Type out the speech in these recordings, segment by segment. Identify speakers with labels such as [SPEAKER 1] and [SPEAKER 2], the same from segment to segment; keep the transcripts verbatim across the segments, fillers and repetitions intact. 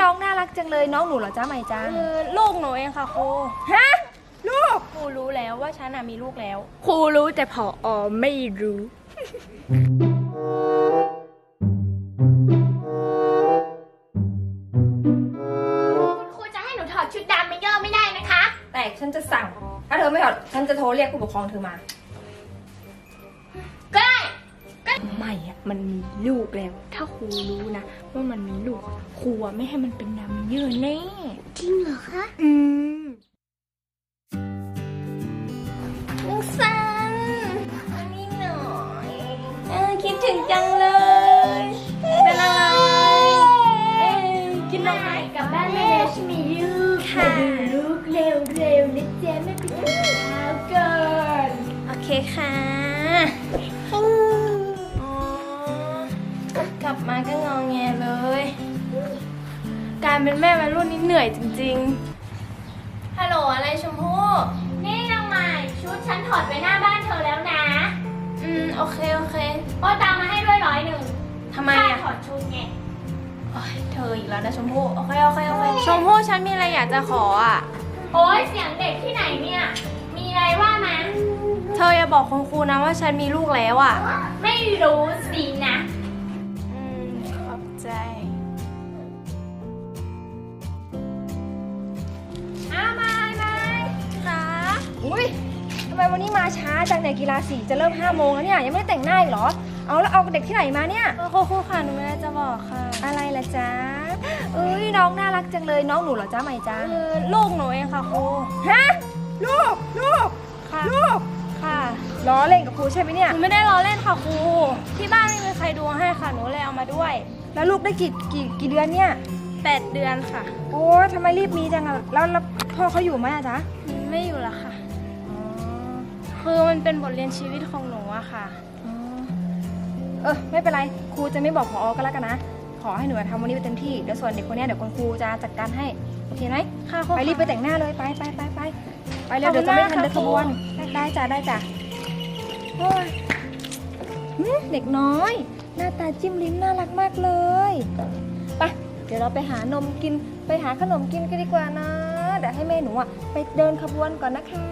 [SPEAKER 1] องน่ารักจังเลยน้องหนูเหรอจ้าใหม่จ้า
[SPEAKER 2] คือลูกหนูเองค่ะครู
[SPEAKER 1] ฮะลูก
[SPEAKER 2] ครูรู้แล้วว่าฉันมีลูกแล้ว
[SPEAKER 1] ครูรู้แต่ผอไม่รู้
[SPEAKER 3] คุณครูจะให้หนูถอดชุดดำไม่ย่อไม่ได้นะคะ
[SPEAKER 1] แต่ฉันจะสั่งถ้าเธอไม่ถอดฉันจะโทรเรียกผู้ปกครองเธอมา
[SPEAKER 3] ก็ได้
[SPEAKER 2] ไม่อะมันมีลูกแล้ว ถ้าครูรู้นะว่ามันมีลูกครูไม่ให้มันเป็นดำเยอะแน่
[SPEAKER 3] จริงเหรอคะ
[SPEAKER 2] อืม
[SPEAKER 3] ลุงซัน
[SPEAKER 2] อันนี้หน่อย
[SPEAKER 3] เออคิดถึงจังเลย
[SPEAKER 2] เป็นอะไรเอ้ยกินนมไหม
[SPEAKER 3] กลับบ้านไม่ได้ฉันมีลูกค่ะดูลูกเร็วๆนะเจ๊ไม่ไปกินข้าวก่อน
[SPEAKER 2] โอเคค่ะอ๋อกลับมาก็งอแงเลย การเป็นแม่วัยรุ่นนี่เหนื่อยจริงๆฮัลโหลอะไรชมพู่
[SPEAKER 3] นี่นางใหม่ชุดฉันถอดไปหน้าบ้านเธอแล้วนะ
[SPEAKER 2] อืมโอเคโอเค
[SPEAKER 3] โอ้ตามมาให้ด้วยร้อยหนึ่ง
[SPEAKER 2] ทำไม
[SPEAKER 3] ค่า
[SPEAKER 2] อะ
[SPEAKER 3] ถอดชุดไง
[SPEAKER 2] โอ๊ยเธออีกแล้วนะชมพู่โอเคโอเคโอเคชมพู่ฉันมีอะไรอยากจะขออ่ะ
[SPEAKER 3] โอ้ยเสียงเด็กที่ไหนเนี่ย มีอะไรว่ามา
[SPEAKER 2] เธออย่าบอกคุณครูนะว่าฉันมีลูกแล้วอ่ะ
[SPEAKER 3] ไม่รู้สินะ
[SPEAKER 2] อืมขอบใจ
[SPEAKER 1] อ้าวมามา
[SPEAKER 2] จ้า
[SPEAKER 1] อุ้ยทำไมวันนี้มาช้าจังเนี่ยกีฬาสีจะเริ่มห้าโมงแล้วเนี่ยยังไม่ได้แต่งหน้าอีกเหรอเอาแล้วเอาเด็กที่ไหนมาเนี่ย
[SPEAKER 2] ครูครูค่ะหนูไม่ได้จะบอกค่ะ
[SPEAKER 1] อะไรล่ะจ๊ะเอ้ยน้องน่ารักจังเลยน้องหนูเหรอจ้าใหม่จ้า
[SPEAKER 2] คือลูกหนูเองค่ะครู
[SPEAKER 1] ฮะลูกลูก
[SPEAKER 2] ค่ะ
[SPEAKER 1] ลูก
[SPEAKER 2] ค่ะ
[SPEAKER 1] ล้อเล่นกับครูใช่ไหมเนี่ย
[SPEAKER 2] หนูไม่ได้ล้อเล่นค่ะครู ที่บ้านไม่มีใครดูให้ค่ะ หนูเลยเอามาด้วย
[SPEAKER 1] แล้วลูกได้กี่กี่กี่เดือนเนี่ย
[SPEAKER 2] แปดเดือนค่ะ
[SPEAKER 1] โอ้ยทำไมรีบมีจังอะแล้วแล้วพ่อเขาอยู่ไหมอะจ๊ะ
[SPEAKER 2] ไม่อยู่ละค่ะ
[SPEAKER 1] อ๋อ
[SPEAKER 2] คือมันเป็นบทเรียนชีวิตของหนูอะค่ะ
[SPEAKER 1] อ๋อเออไม่เป็นไรครูจะไม่บอกผอก็แล้วกันนะขอให้หนูทำวันนี้ไปเต็มที่เดี๋ยวส่วนเด็กคนเนี้ยเดี๋ยวคุณครูจะจัดการให้โอเคไหม
[SPEAKER 2] ค่ะครู
[SPEAKER 1] ไปรีบไปแต่งหน้าเลยไปไปไปไปไปเร็วเดี๋ยวจะไม่ทันเดินขบวนได้จ้ะได้จ้ะโอ้ยหืมเด็กน้อย หน้าตาจิ้มลิ้มน่ารักมากเลยไปเดี๋ยวเราไปหานมกินไปหาขนมกินกันดีกว่านะเดี๋ยวให้แม่หนูอ่ะไปเดินขบวนก่อนนะคะ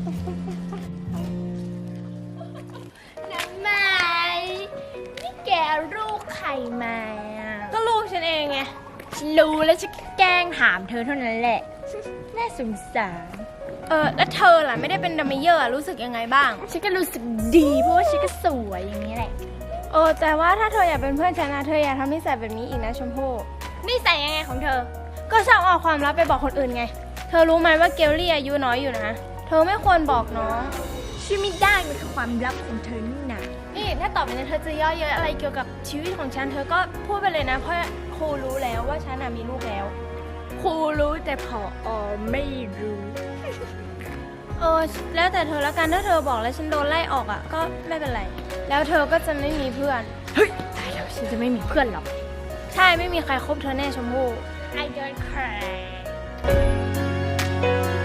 [SPEAKER 3] น้ำใหม่นี่แกลูกใครมาอ่ะ
[SPEAKER 2] ก็ลูกฉันเองไง
[SPEAKER 3] ฉันรู้แล้วฉันแกล้งถามเธอเท่านั้นแหละ น่าสงสาร
[SPEAKER 2] เออแล้วเธอล่ะไม่ได้เป็นดัมเมเยอร์อะรู้สึกยังไงบ้าง
[SPEAKER 3] ฉันก็รู้สึกดีเพราะว่าฉันก็สวยอย่างนี้แหละ
[SPEAKER 2] เออแต่ว่าถ้าเธออยากเป็นเพื่อนฉันนะเธออย่าทำนิสัยแบบนี้อีกนะชมพู่
[SPEAKER 3] นี่ใส่ยังไงของเธอ
[SPEAKER 2] ก็ชอบเอาความลับไปบอกคนอื่นไง เธอรู้ไหมว่าเกลลี่อายุน้อยอยู่นะ เธอไม่ควรบอกน้อง
[SPEAKER 3] ชื่อไม่ได้มันคือความลับของเธอนี่นะ
[SPEAKER 2] นี่ถ้าต่อไปนี้เธอจะย่อเยอะอะไรเกี่ยวกับชีวิตของฉัน เธอก็พูดไปเลยนะ เพราะครูรู้แล้วว่าฉันน่ะมีลูกแล้ว
[SPEAKER 3] ครูรู้แต่ผอไม่รู้
[SPEAKER 2] เออแล้วแต่เธอละกันถ้าเธอบอกแล้วฉันโดนไล่ออกอ่ะก็ไม่เป็นไร แล้วเธอก็จะไม่มีเพื่อน
[SPEAKER 3] เฮ้ยตายแล้วฉันจะไม่มีเพื่อนหรอก
[SPEAKER 2] ใช่ไม่มีใครคบเธอแน่ชมพู่
[SPEAKER 3] I don't cry